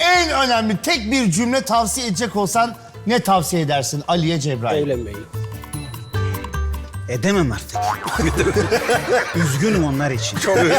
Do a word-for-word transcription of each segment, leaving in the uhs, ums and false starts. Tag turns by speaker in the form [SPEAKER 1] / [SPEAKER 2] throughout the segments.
[SPEAKER 1] En önemli tek bir cümle tavsiye edecek olsan ne tavsiye edersin Ali'ye, Cebrail?
[SPEAKER 2] Evlenmeyi.
[SPEAKER 3] Edemem artık. Üzgünüm onlar için.
[SPEAKER 4] Çok özür.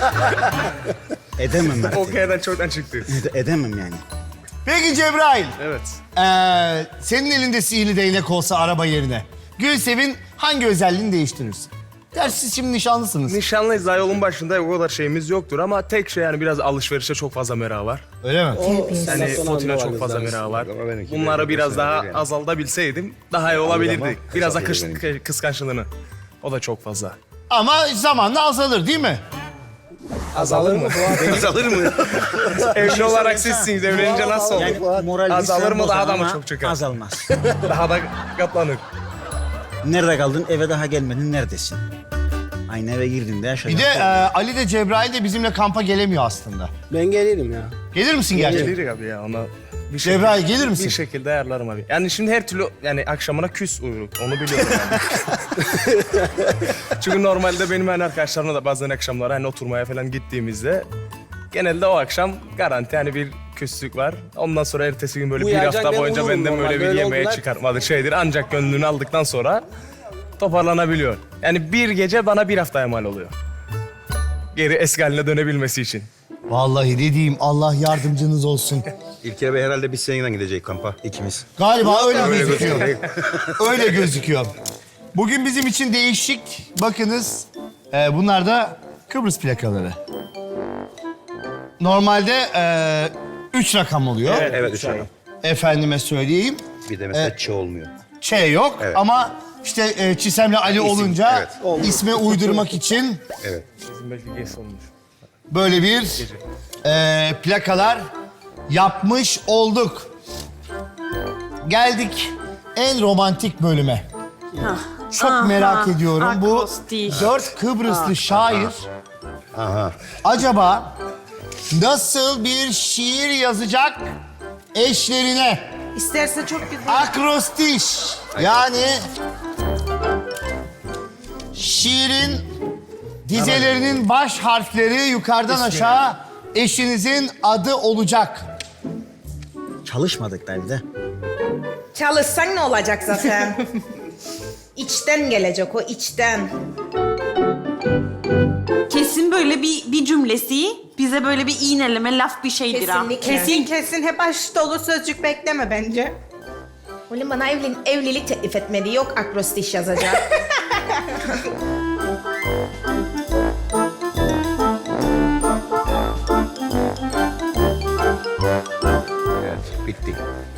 [SPEAKER 3] Edemem artık.
[SPEAKER 4] O kayadan çoktan çıktı.
[SPEAKER 3] Ede- edemem yani.
[SPEAKER 1] Peki Cebrail,
[SPEAKER 4] Evet.
[SPEAKER 1] ee, senin elinde sihirli değnek olsa araba yerine Gülsev'in hangi özelliğini değiştirirsin? Gerçi siz şimdi nişanlısınız.
[SPEAKER 4] Nişanlıyız, daha yolun başında o kadar şeyimiz yoktur ama tek şey yani biraz alışverişe çok fazla merakı var.
[SPEAKER 1] Öyle mi?
[SPEAKER 4] Yani fotona çok fazla merakı var.
[SPEAKER 5] Ama benimki
[SPEAKER 4] Bunları
[SPEAKER 5] de
[SPEAKER 4] biraz daha
[SPEAKER 5] yani.
[SPEAKER 4] azaltabilseydim daha iyi olabilirdi. Biraz da
[SPEAKER 5] kısaltıyor
[SPEAKER 4] kış, kıskançlığını. O da çok fazla.
[SPEAKER 1] Ama zamanla azalır değil mi?
[SPEAKER 2] Azalır mı?
[SPEAKER 4] Azalır mı? Evli olarak sizsiniz, evlenince nasıl olur?
[SPEAKER 3] Yani moral
[SPEAKER 4] Azalır mı,
[SPEAKER 3] bozar
[SPEAKER 4] daha da mı
[SPEAKER 3] ama
[SPEAKER 4] çok çıkar?
[SPEAKER 3] Azalmaz.
[SPEAKER 4] Daha da katlanır.
[SPEAKER 3] Nerede kaldın? Eve daha gelmedin. Neredesin? Aynı eve girdin de yaşadın.
[SPEAKER 1] Bir de ee, Ali de Cebrail de bizimle kampa gelemiyor aslında.
[SPEAKER 2] Ben gelirim ya.
[SPEAKER 1] Gelir misin gerçekten?
[SPEAKER 4] Gelir abi ya ona. Bir
[SPEAKER 1] Cebrail, gelir misin?
[SPEAKER 4] Bir şekilde ayarlarım abi. Yani şimdi her türlü yani akşamına küs uyuruk. Onu biliyorum yani. Çünkü normalde benim yani arkadaşlarımla da bazen akşamlar hani oturmaya falan gittiğimizde genelde o akşam garanti hani bir küslük var. Ondan sonra ertesi gün böyle bir
[SPEAKER 2] Uyuyacak,
[SPEAKER 4] hafta
[SPEAKER 2] ben
[SPEAKER 4] boyunca
[SPEAKER 2] uyurum
[SPEAKER 4] benden
[SPEAKER 2] normal.
[SPEAKER 4] böyle bir
[SPEAKER 2] Böyle
[SPEAKER 4] yemeğe
[SPEAKER 2] oldular.
[SPEAKER 4] çıkartmadık şeydir. Ancak gönlünü aldıktan sonra toparlanabiliyor. Yani bir gece bana bir haftaya mal oluyor. Geri eski haline dönebilmesi için.
[SPEAKER 1] Vallahi ne diyeyim, Allah yardımcınız olsun.
[SPEAKER 5] İlker Bey herhalde biz seninle gideceğiz kampa ikimiz.
[SPEAKER 1] Galiba öyle gözüküyor. Öyle gözüküyor. Bugün bizim için değişik. Bakınız, e, bunlar da Kıbrıs plakaları. Normalde e, üç rakam oluyor.
[SPEAKER 5] Evet üç rakam.
[SPEAKER 1] Efendime söyleyeyim.
[SPEAKER 5] Bir de mesela Ç olmuyor.
[SPEAKER 1] Ç yok
[SPEAKER 5] Evet.
[SPEAKER 1] ama işte e, Çisem'le Ali olunca
[SPEAKER 5] evet.
[SPEAKER 1] isme uydurmak için
[SPEAKER 5] Evet.
[SPEAKER 4] Bizim belki geç olmuş.
[SPEAKER 1] böyle bir e, plakalar yapmış olduk. Geldik en romantik bölüme. Çok
[SPEAKER 6] Aha,
[SPEAKER 1] merak ediyorum. Bu
[SPEAKER 6] akrostiş.
[SPEAKER 1] dört Kıbrıslı şair
[SPEAKER 5] Aha.
[SPEAKER 1] acaba nasıl bir şiir yazacak eşlerine?
[SPEAKER 6] İsterse çok güzel.
[SPEAKER 1] Akrostiş. Yani şiirin dizelerinin baş harfleri yukarıdan aşağı eşinizin adı olacak.
[SPEAKER 3] Çalışmadık da bir de.
[SPEAKER 6] Çalışsan ne olacak zaten? İçten gelecek o, içten.
[SPEAKER 7] Kesin böyle bir bir cümlesi bize böyle bir iğneleme laf bir şeydir ha.
[SPEAKER 6] Kesinlikle. Kesin kesin hep aşk dolu sözcük bekleme bence. Oğlum bana evlen evlilik teklif etmedi. Yok akrostiş yazacak.
[SPEAKER 5] Evet bitti.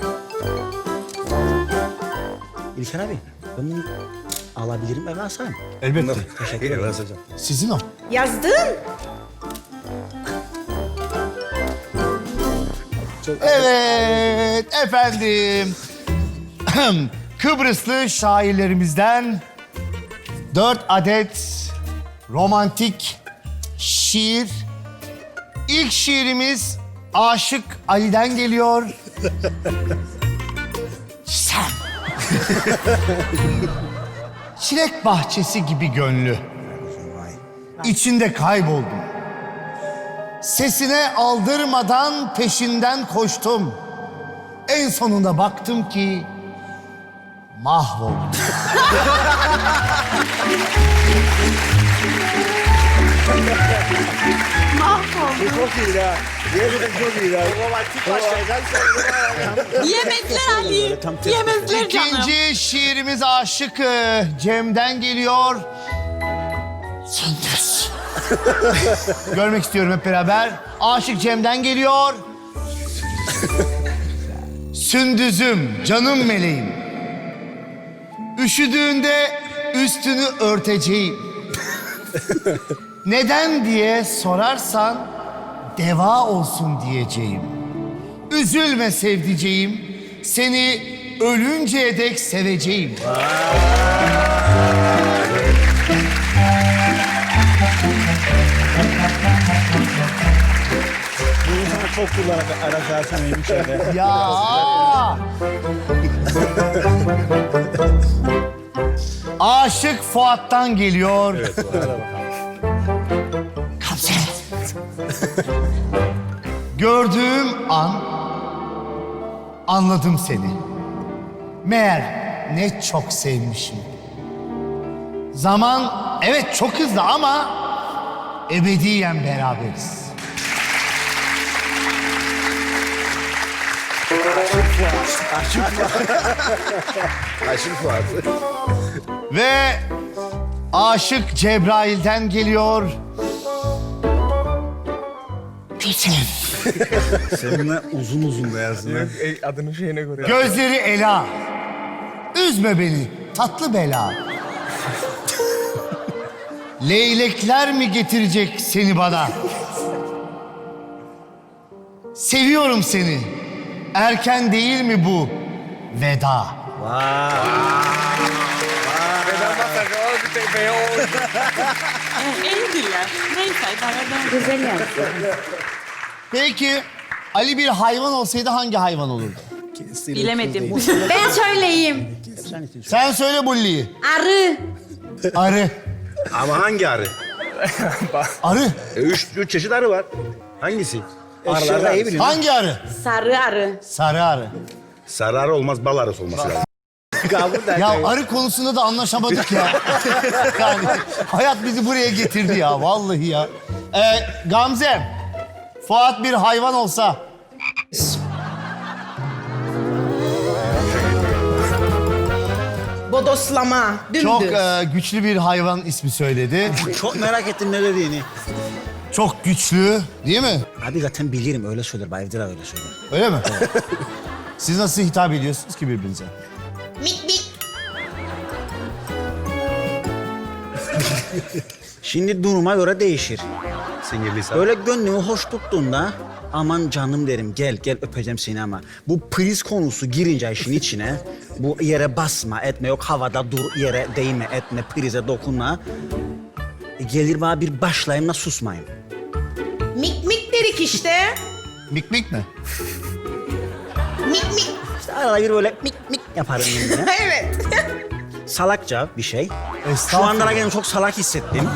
[SPEAKER 3] İlker abi, ben bunu alabilirim eve asarım.
[SPEAKER 1] Elbette.
[SPEAKER 5] Teşekkür ederim. Hocam.
[SPEAKER 1] Sizin o.
[SPEAKER 6] Yazdın.
[SPEAKER 1] Evet efendim. Kıbrıslı şairlerimizden dört adet romantik şiir. İlk şiirimiz Aşık Ali'den geliyor. Sen. Çilek bahçesi gibi gönlü. İçinde kayboldum. Sesine aldırmadan peşinden koştum. En sonunda baktım ki mahvoldum.
[SPEAKER 2] Çok iyi ya. Gerçekten çok iyi ya.
[SPEAKER 7] Yemezler Ali.
[SPEAKER 3] tam ters.
[SPEAKER 7] Yemezler canım.
[SPEAKER 1] İkinci şiirimiz Aşık e, Cem'den geliyor. Sündüz. Görmek istiyorum hep beraber. Aşık Cem'den geliyor. Sündüzüm, canım meleğim. Üşüdüğünde üstünü örteceğim. Neden diye sorarsan deva olsun diyeceğim. Üzülme sevdiceğim, seni ölünceye dek seveceğim.
[SPEAKER 3] Bunu sana çok kullanarak arası alsam içeride.
[SPEAKER 1] Ya! Aşık Fuat'tan geliyor. Evet, Gamze. Gördüğüm an anladım seni. Meğer ne çok sevmişim. Zaman evet çok hızlı ama ebediyen beraberiz.
[SPEAKER 5] Aşık Fuat.
[SPEAKER 1] Ve Aşık Cebrail'den geliyor. Peter.
[SPEAKER 3] Seninle uzun uzun da yazsın.
[SPEAKER 4] Yok, e, adının şeyine göre.
[SPEAKER 1] Gözleri Ela. Üzme beni tatlı bela. Leylekler mi getirecek seni bana? Seviyorum seni. Erken değil mi bu veda?
[SPEAKER 7] Evliler. Neyse idare edelim.
[SPEAKER 1] Peki Ali bir hayvan olsaydı hangi hayvan olurdu?
[SPEAKER 7] Bilemedim.
[SPEAKER 6] Ben söyleyeyim.
[SPEAKER 1] Sen söyle Bulli'yi.
[SPEAKER 6] Arı.
[SPEAKER 1] Arı.
[SPEAKER 5] Ama hangi arı?
[SPEAKER 1] Arı.
[SPEAKER 5] E, üç, üç çeşit arı var. Hangisi? Arılarda iyi biliyorsun.
[SPEAKER 1] Hangi arı?
[SPEAKER 6] Sarı arı.
[SPEAKER 1] Sarı arı.
[SPEAKER 5] Sarı arı olmaz, bal arısı olması lazım.
[SPEAKER 1] Ya arı konusunda da anlaşamadık ya. Yani hayat bizi buraya getirdi ya vallahi ya. Ee, Gamze, Fuat bir hayvan olsa
[SPEAKER 6] Bodoslama. Dümdüz.
[SPEAKER 1] çok e, güçlü bir hayvan ismi söyledi.
[SPEAKER 3] Çok merak ettim ne dediğini.
[SPEAKER 1] Çok güçlü değil mi?
[SPEAKER 3] Abi zaten bilirim öyle söyler. Bayevdir öyle söyler.
[SPEAKER 1] Öyle mi? Siz nasıl hitap ediyorsunuz ki birbirinize?
[SPEAKER 6] Mik mik.
[SPEAKER 3] Şimdi duruma göre değişir.
[SPEAKER 5] Sinirliyse.
[SPEAKER 3] Böyle gönlümü hoş tuttuğunda aman canım derim gel gel öpeceğim seni ama bu priz konusu girince işin içine bu yere basma etme yok havada dur yere değme etme prize dokunma e, gelir bana bir başlayayım da susmayayım.
[SPEAKER 6] Mik mik dedik işte.
[SPEAKER 1] Mik mik mi?
[SPEAKER 6] Mik mik.
[SPEAKER 3] İşte arada bir böyle mik mik yaparım yine.
[SPEAKER 6] Evet.
[SPEAKER 3] Salakça bir şey. Şu
[SPEAKER 1] Estağfurullah.
[SPEAKER 3] anda kendimi çok salak hissettim.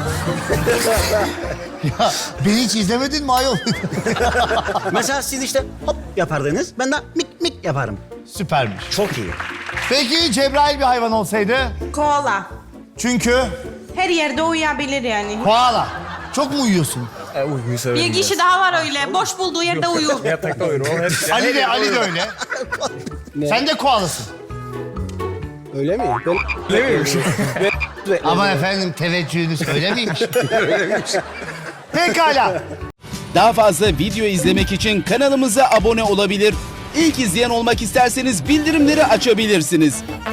[SPEAKER 1] Ya beni hiç izlemedin mi ayol?
[SPEAKER 3] Mesela siz işte hop yapardınız ben de mik mik yaparım.
[SPEAKER 1] Süpermiş.
[SPEAKER 3] Çok iyi.
[SPEAKER 1] Peki Cebrail bir hayvan olsaydı?
[SPEAKER 6] Koala.
[SPEAKER 1] Çünkü
[SPEAKER 6] Her yerde uyuyabilir yani.
[SPEAKER 1] koala. Çok mu uyuyorsun?
[SPEAKER 4] E, uykuyu severim.
[SPEAKER 7] Bir kişi daha var öyle. Boş bulduğu yerde uyur.
[SPEAKER 4] Yatakta uyurum. O her,
[SPEAKER 1] Ali de Ali de öyle. Sen de koalasın.
[SPEAKER 2] Öyle mi? Ben...
[SPEAKER 4] Ne miymiş?
[SPEAKER 1] Ama efendim teveccühünü söylemeymiş. Pekala.
[SPEAKER 8] Daha fazla video izlemek için kanalımıza abone olabilir. İlk izleyen olmak isterseniz bildirimleri açabilirsiniz.